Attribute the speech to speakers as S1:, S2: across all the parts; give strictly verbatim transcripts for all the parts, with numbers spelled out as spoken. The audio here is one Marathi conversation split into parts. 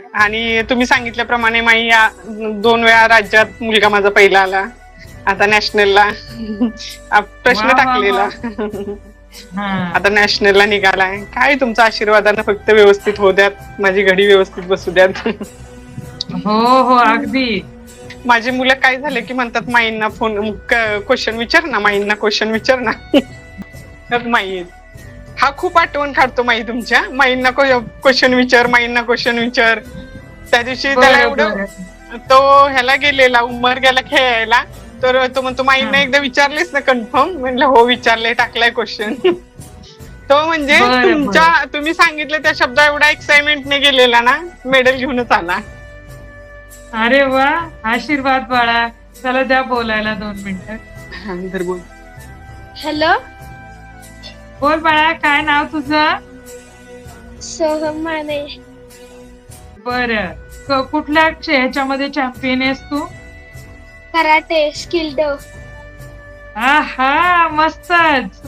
S1: आणि तुम्ही सांगितल्याप्रमाणे माई या दोन वेळा राज्यात मुलगा माझा पहिला आला. आता नॅशनलला
S2: वा
S1: प्रश्न
S2: वा वा.
S1: टाकलेला.
S2: हा.
S1: आता नॅशनलला निघालाय. काय तुमच्या आशीर्वादानं फक्त व्यवस्थित होऊ द्यात, माझी घडी व्यवस्थित बसू द्यात.
S2: हो हो अगदी.
S1: माझी मुलं काय झाले की म्हणतात माईंना फोन क्वेश्चन विचार ना, माईंना क्वेश्चन विचार ना. माई हा खूप आठवण काढतो माई तुमच्या. माईंना क्वेश्चन विचार, माईंना क्वेश्चन विचार. त्या दिवशी त्याला
S2: बरं
S1: एवढं
S2: बरं.
S1: तो ह्याला गेलेला उमर गेला खेळायला, तर तो म्हणतो माईंना एकदा विचारलेस ना कन्फर्म. म्हणलं हो विचारले, टाकलाय क्वेश्चन. तो म्हणजे
S2: बरं
S1: तुमच्या
S2: बरं.
S1: तुम्ही सांगितलं त्या शब्द एवढा एक्साइटमेंटने गेलेला ना, मेडल घेऊनच आला.
S2: अरे वा, आशीर्वाद बाळा. चला द्या बोलायला दोन मिनिटं.
S1: हा, तर बोल.
S3: हॅलो,
S2: बोल बाळा, काय नाव तुझं?
S3: सोहम माने.
S2: बरं, क- कुठल्या चे- ह्याच्यामध्ये चॅम्पियन आहेस तू?
S3: कराटे स्किल डो.
S2: आहा, मस्तच.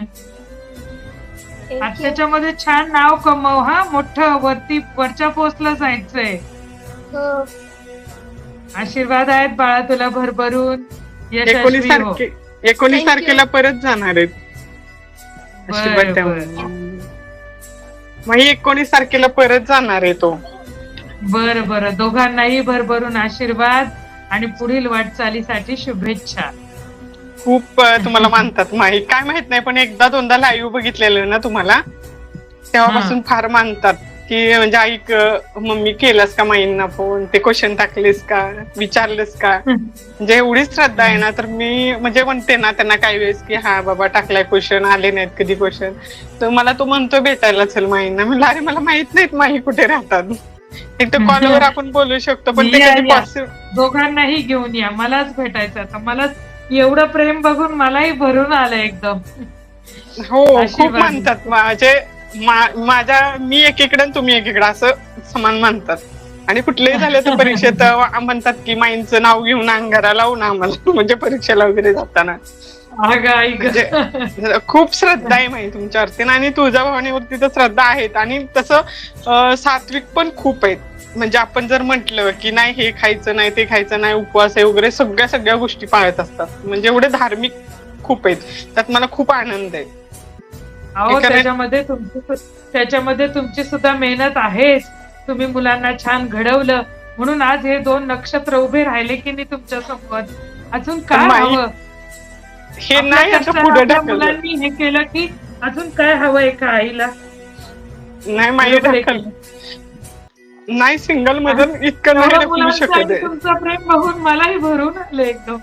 S2: आज त्याच्यामध्ये छान नाव कमव हा, मोठं वरती वरच्या पोस्टला जायचंय.
S3: हो,
S1: आशीर्वाद
S2: आहेत बाळा तुला भरभरून.
S1: एकोणीस
S2: यशस्वी हो.
S1: तारखे एकोणीस
S3: Thank you.
S1: तारखेला परत जाणार आहेत. आशीर्वाद
S2: बरं,
S1: द्या
S2: बरं.
S1: मला. मग एकोणीस तारखेला परत जाणार आहे तो.
S2: बरं बरं, दोघांनाही भरभरून आशीर्वाद आणि पुढील वाटचालीसाठी शुभेच्छा.
S1: खूप अं, तुम्हाला मानतात माही. काय माहित नाही, पण एकदा दोनदा लाईव्ह बघितलेलं ना तुम्हाला, तेव्हापासून फार मानतात की म्हणजे ऐक मम्मी केलास का माईंना फोन, ते क्वेश्चन टाकलेस का, विचारलेस का. म्हणजे एवढी श्रद्धा आहे ना, तर मी म्हणजे म्हणते ना त्यांना काही वेळेस की हा बाबा टाकलाय क्वेश्चन, आले नाहीत कधी क्वेश्चन, तर मला तो म्हणतो भेटायला चल माईंना. म्हणलं अरे मला माहित नाहीत माही कुठे राहतात. एक तर कॉलवर आपण बोलू शकतो, पण ते
S2: या,
S1: कधी
S2: या.
S1: पॉसिबल.
S2: दोघांनाही घेऊन या, मलाच भेटायचं आता. मलाच एवढं प्रेम बघून मलाही भरून आलं एकदम.
S1: हो, खूप
S2: आशीर्वाद.
S1: मानतात माझे. मा- माझ्या मी एकीकडे आणि तुम्ही एकीकडे असं समान मानतात. आणि कुठलेही झाले तर परीक्षेत म्हणतात की माईंचं नाव घेऊन अंगारा लावून आम्हाला, म्हणजे परीक्षेला वगैरे जाताना.
S2: अगं, आई गं.
S1: म्हणजे खूप श्रद्धा आहे माई तुमच्यावरती, आणि तुळजाभवानीवरती तर श्रद्धा आहेत. आणि तसं अं, सात्विक पण खूप आहेत. म्हणजे आपण जर म्हंटल की नाही हे खायचं नाही, ते खायचं नाही, उपवास आहे वगैरे, सगळ्या सगळ्या गोष्टी पाळत असतात. म्हणजे एवढे धार्मिक खूप आहेत. त्यात मला खूप आनंद आहे.
S2: अहो,
S1: एखाद्या-
S2: त्याच्यामध्ये तुमची सु- त्याच्यामध्ये तुमची सुद्धा मेहनत आहेच. तुम्ही मुलांना छान घडवलं म्हणून आज हे दोन नक्षत्र उभे राहिले की नाही तुमच्या समोर. अजून काय
S1: माई,
S2: हवं?
S1: हे
S2: आपल्या
S1: नाही असं
S2: कष्टानं
S1: पुढे
S2: आपल्या
S1: ढकललं.
S2: मुलांनी हे केलं की अजून काय हवं एका आईला?
S1: नाही माई
S2: बरोबर आहे
S1: ढकल
S2: की
S1: नाही, सिंगल मधून इतकं नाही
S2: एवढं
S1: ढकलू
S2: मुलांचं
S1: शकत
S2: आणि
S1: आहे.
S2: तुमचं प्रेम बघून मलाही भरून आलं एकदम.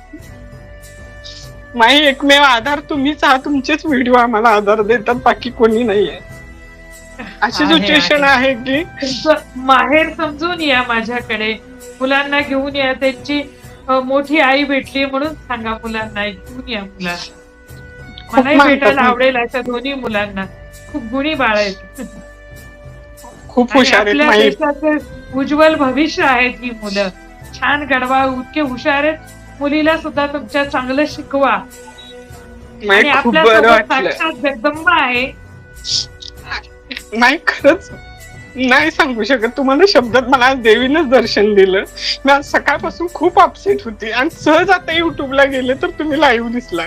S1: माई एकमेव आधार तुम्हीच आहात. तुमचेच व्हिडिओ आम्हाला आधार देतात, बाकी कोणी नाहीये. अशी
S2: आहे,
S1: सिच्युएशन
S2: आहे.
S1: आहे की
S2: तुमचं माहेर समजून या माझ्याकडे. मुलांना घेऊन या. त्यांची अ, मोठी आई भेटली म्हणून सांगा मुलांना, घेऊन या मुलांना.
S1: खूप
S2: मलाही
S1: मानतात
S2: भेटायला
S1: ना.
S2: आवडेल अशा दोन्ही मुलांना. खूप गुणी बाळ आहेत.
S1: खूप
S2: आणि
S1: हुशार आहेत
S2: आपल्या
S1: माई.
S2: देशाचे उज्ज्वल भविष्य आहेत ही मुलं. छान घडवा, इतके हुशार आहेत. मुलीला सुद्धा तुमच्या चांगलं शिकवा. आणि
S1: माई खूप
S2: आपल्या
S1: बरं
S2: सोबत
S1: वाटलं.
S2: साक्षात जगदंबा आहे.
S1: नाही, खरंच नाही सांगू शकत तुम्हाला शब्दात. मला आज देवीनच दर्शन दिलं. मी आज सकाळपासून खूप अपसेट होती, आणि सहज आता युट्यूबला गेले तर तुम्ही लाईव्ह दिसला.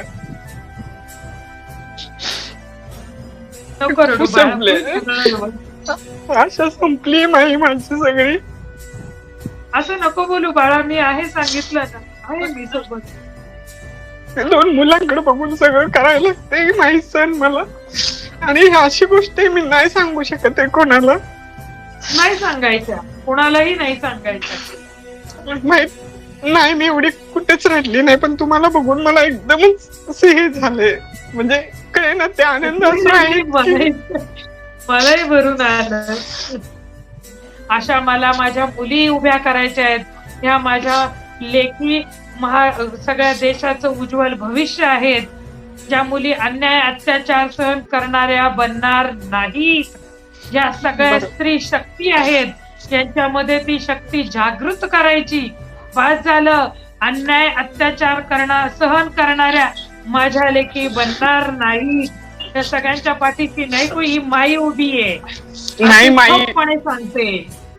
S2: नको रडू
S1: खूप
S2: बाळा.
S1: संपले. आशा संपली माई माझी सगळी.
S2: असं नको बोलू बाळा. मी आहे, सांगितलं ना, आहे मी सोबत.
S1: दोन मुलांकडे बघून सगळं करायला लागते माहीत सण मला. आणि ही अशी गोष्ट आहे मी नाही सांगू शकत आहे कोणाला.
S2: नाही सांगायच्या, कोणालाही नाही सांगायच्या.
S1: माहित नाही, मी एवढी कुठेच रडली नाही, पण तुम्हाला बघून मला एकदमच असे हे झाले. म्हणजे काय ना, ते आनंद असं आहे की-
S2: मलाही मलाही भरून आलं. अशा मला माझ्या मुली उभ्या करायच्या आहेत. ह्या माझ्या लेखी महा सगळ्या देशाचं उज्ज्वल भविष्य आहेत. ज्या मुली अन्याय अत्याचार सहन करणाऱ्या बनणार नाहीत. ज्या सगळ्या
S1: बरोबर.
S2: स्त्री शक्ती आहेत, त्यांच्यामध्ये ती शक्ती जागृत करायची. बस झालं. अन्याय अत्याचार करणार सहन करणाऱ्या माझ्या लेखी बनणार नाही. त्या सगळ्यांच्या पाठीशी नाही को ही माई उभी आहे.
S1: नाही माई,
S2: ठामपणे सांगते.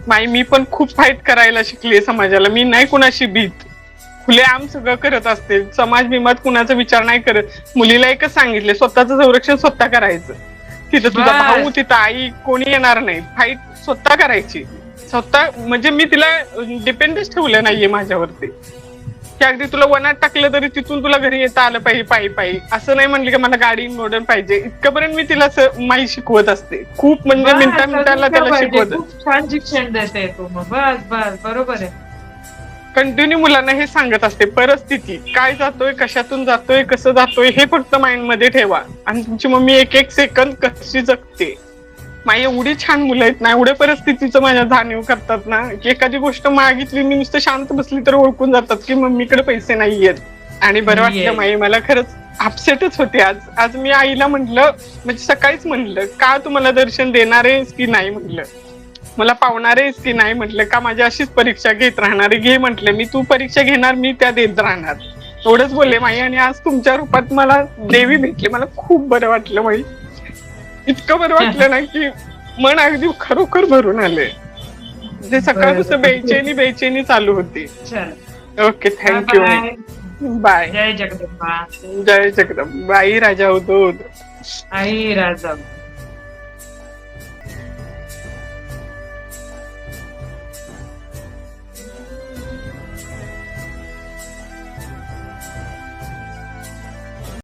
S1: माई मी पण खूप फाईट करायला शिकले समाजाला. मी नाही कुणाशी भीत, खुलेआम सगळं करत असते. समाज बिमात कुणाचा विचार नाही करत. मुलीला एकच सांगितले, स्वतःचं संरक्षण स्वतः करायचं. तिथं तुझा
S2: बस.
S1: भाऊ, तिथं आई, कोणी येणार नाही. फाईट स्वतः करायची स्वतः. म्हणजे मी तिला डिपेंडच ठेवलं नाहीये माझ्यावरती, की अगदी तुला वनात टाकलं तरी तिथून तुला घरी येता आलं पाहिजे पायी पायी. असं नाही म्हणलं की मला गाडी मॉडर्न पाहिजे. इतकंपर्यंत मी तिला माई शिकवत असते. खूप म्हणजे
S2: बस,
S1: मिनिटा मिनिटाला
S2: अजून
S1: त्याला
S2: काय पाहिजे?
S1: शिकवत.
S2: खूप छान शिक्षण देते तू. मग बस बस बरोबर आहे.
S1: कंटिन्यू मुलांना हे सांगत असते, परिस्थिती काय जातोय, कशातून जातोय, कसं जातोय हे फक्त माइंड मध्ये ठेवा. आणि तुमची मम्मी एक एक सेकंद कशी जगते. माई एवढी छान मुलं आहेत ना, एवढ्या परिस्थितीचं माझ्या जाणीव करतात ना, की एखादी गोष्ट मागितली, मी नुसतं शांत बसली तर ओळखून जातात की मम्मीकडे पैसे नाहीयेत. आणि बरं वाटलं माई, मला खरंच अपसेटच होते आज. आज मी आईला म्हटलं, म्हणजे सकाळीच म्हणलं, का तुम्हाला दर्शन देणार आहेस की नाही म्हटलं, मला पावणार आहेस की नाही म्हटलं, का माझी अशीच परीक्षा घेत राहणार. घे म्हटलं, मी तू परीक्षा घेणार, मी त्या देत राहणार. एवढंच बोलले माई. आणि आज तुमच्या रूपात मला देवी भेटली. मला खूप बरं वाटलं माई. इतकं बरं वाटलं ना की मन अगदी खरोखर भरून आले. जे सकाळपासून बेचैनी बेचैनी चालू होती. Okay, thank you. बाय.
S2: जय जगदंबा.
S1: जय जगदंबा. आई राजा होतो.
S2: आई राजा.